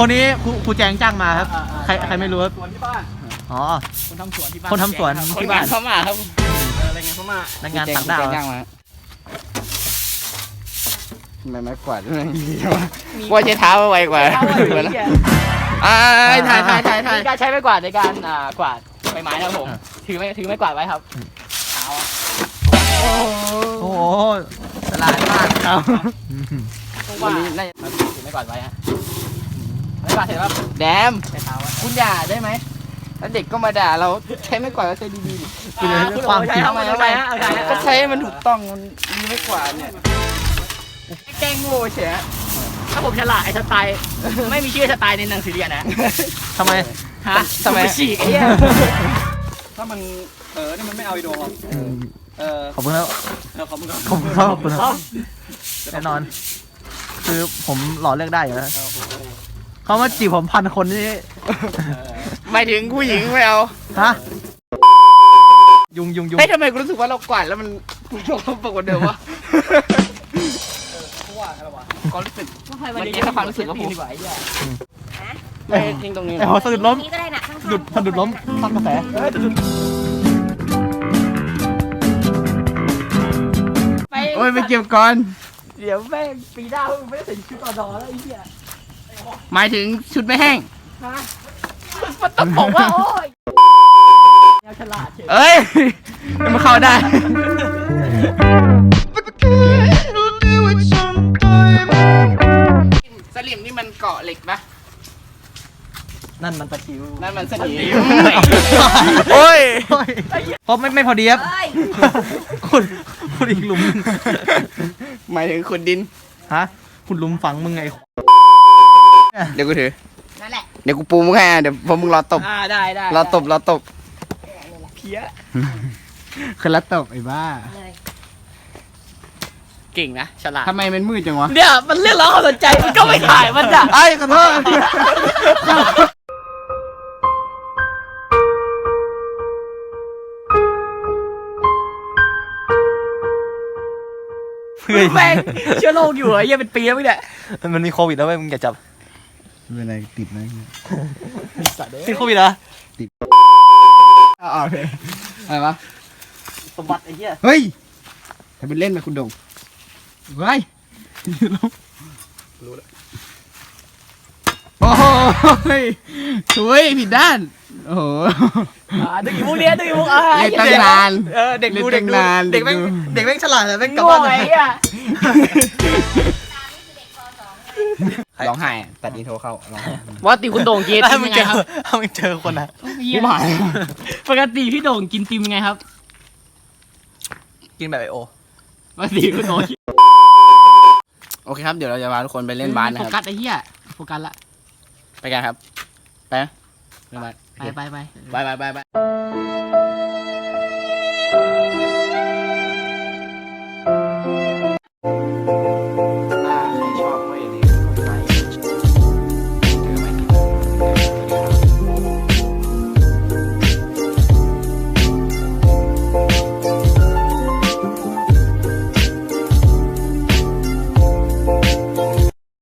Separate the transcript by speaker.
Speaker 1: คนนี้ครูแจงจ้างมาครับใครไม่รู้ครับ
Speaker 2: สวนที่บ้าน
Speaker 1: อ๋อ
Speaker 2: คนทำสวนที่บ้าน
Speaker 1: คนทำสวนที่บ้าน
Speaker 2: เข้ามาครับอะไรเงี้ยเข้ามา
Speaker 1: นักงานต่างดาว
Speaker 3: ย่างมาทำไมไม้กวาดมันดีวะว่าใช้เท้าไวกว่าถ่าย
Speaker 2: การใช้ไม้กวาดในการกวาดใบไม้นะครับผมถือไม้กวาดไว้ครับเท้า
Speaker 1: โอ้โห
Speaker 3: ตลาดมากครับ
Speaker 2: วันนี้น่าจะถือไม้กวาดไว้ฮะไม้กวาดเห็นว่า
Speaker 3: แดม
Speaker 2: ใช้เท้า
Speaker 3: คุณอย่าได้ไหมแล้วเด็กก็มาด่าเราใช้ไม้กวาดก็ใช้ดีๆ
Speaker 1: คุณเลยความจริง
Speaker 2: ทำไม
Speaker 3: ก็ใช้มันถูกต้องมันมีไม้กวาดเนี่ยแกล้งโง่เฉย
Speaker 2: ถ้าผมฉลาดไอ้สไตล์ไม่มีชื่อสไตล์ในหนังสือเรียนนะ
Speaker 1: ทำไม
Speaker 2: ฮะทำไมฉีกไอ้เนี่ย
Speaker 3: ถ้ามันนี่มันไม่เอาอีโดครับ
Speaker 1: ขอบคุณครับ
Speaker 3: ขอบคุณครับ
Speaker 1: ขอบคุณครับแน่นอน คือผมหล่อเลือกได้อยู่แล้วเขามาจีบผม1,000 คนนี่
Speaker 3: หมายถึงผู้หญิงไม่เอา
Speaker 1: ฮะยุง
Speaker 3: เฮ้ยทำไมกูรู้สึกว่าเรากวาดแล้วมันปกว่าเดิมวะก็รู้สึกเมื่อกี้ถ้าความรู้สึกก็ผมไม่ทิ้งตรงนี้
Speaker 1: ไอ้หัวสะดุดล้ม
Speaker 4: นี่ก็ได้นะข้างๆ
Speaker 1: สะดุดล้มฟังกระแส
Speaker 3: โอ้ยไปเก็บก่อน
Speaker 2: เดี๋ยวแม่งปีหน้าไม่ได้ใส่ชุดต่อดอแล้วไอ้เหี้ย
Speaker 3: หมายถึงชุดไม่แห้ง
Speaker 2: มันต้องบอกว่าโอ้ยแนวฉลาดเฉย
Speaker 3: เอ้ยมันเข้าได้สลิมนี่มันเกาะเหล็กปะ
Speaker 1: นั่นมันตะคิว
Speaker 3: นั่นมันสนิมโอ้ย
Speaker 1: เพราะไม่พอดีครับ
Speaker 4: เอ้ย
Speaker 1: คุณอีกหลุม
Speaker 3: หมายถึงขุดดิน
Speaker 1: ฮะคุณหลุมฝังมึงไง
Speaker 3: เดี๋ยวกูถือ
Speaker 4: นั่นแหละ
Speaker 3: เดี๋ยวกูปูมึงให้เดี๋ยวพอมึงรอตบ
Speaker 2: ได้
Speaker 3: รอตบ
Speaker 2: เพี้ย
Speaker 3: คือรอตบไอ้บ้า
Speaker 4: เลย
Speaker 2: เก่งนะฉลาด
Speaker 3: ทำไมมันมืดจังวะ
Speaker 2: เนี่ยมันเรียกร้องความสนใจมันก็ไม่ถ่ายมันอ่ะ
Speaker 3: ไอ้ขอโทษ
Speaker 1: เพื่อน
Speaker 2: แม่งเชื้อโรคอยู่เหรอเหี้ยเป็นปีแล้วมั้งเนี่ย
Speaker 1: มันมีโควิดแล้วเว้ยมึงอย่าจับ
Speaker 3: เป็นไรติดไหม
Speaker 1: ติดโควิดเหรอ
Speaker 3: โอเคอะไรวะ
Speaker 1: สมบัติไอ้เหี้ย
Speaker 3: เฮ้ยทำเป็นเล่นไหมคุณดงเฮ้ยรู้แล้วโอ้ยสวยผิดด้านโอ้โห
Speaker 2: ดึกอีมุกเนี้ยดึกอีมุกอ่ะ
Speaker 3: เล่นตั้งนาน
Speaker 1: เด็กดู
Speaker 3: เล่นตั้งนาน
Speaker 1: เด็กแม่งฉลาดแต่แม่งกลับ
Speaker 2: ง่ว
Speaker 1: บ้าง น
Speaker 2: ไอ้อ่ะ
Speaker 3: ร้องไห้ตัดอินโทรเข้าร้องไห้
Speaker 2: ว่าติคุณโด่งกิน
Speaker 1: ถ้า
Speaker 2: ติม
Speaker 1: มึง
Speaker 2: ยังไง
Speaker 1: เจอ
Speaker 2: ครับ
Speaker 1: ถ้ามึงเจอคนอ่ะ
Speaker 2: ผู้หมายปกติพี่โด่งกินติมยังไงครับ
Speaker 1: กินแบบไอโอ
Speaker 2: ปกติคุณโด่ง
Speaker 3: โอเคครับเดี๋ยวเราจะพาทุกคนไปเล่นบาสนะ
Speaker 2: โฟ
Speaker 3: ค
Speaker 2: กั
Speaker 3: รับ
Speaker 2: สไอ้เหี้ยโฟกัสละ
Speaker 3: ไปกันครับไปนะเล่นบาส
Speaker 2: ไป
Speaker 3: ไป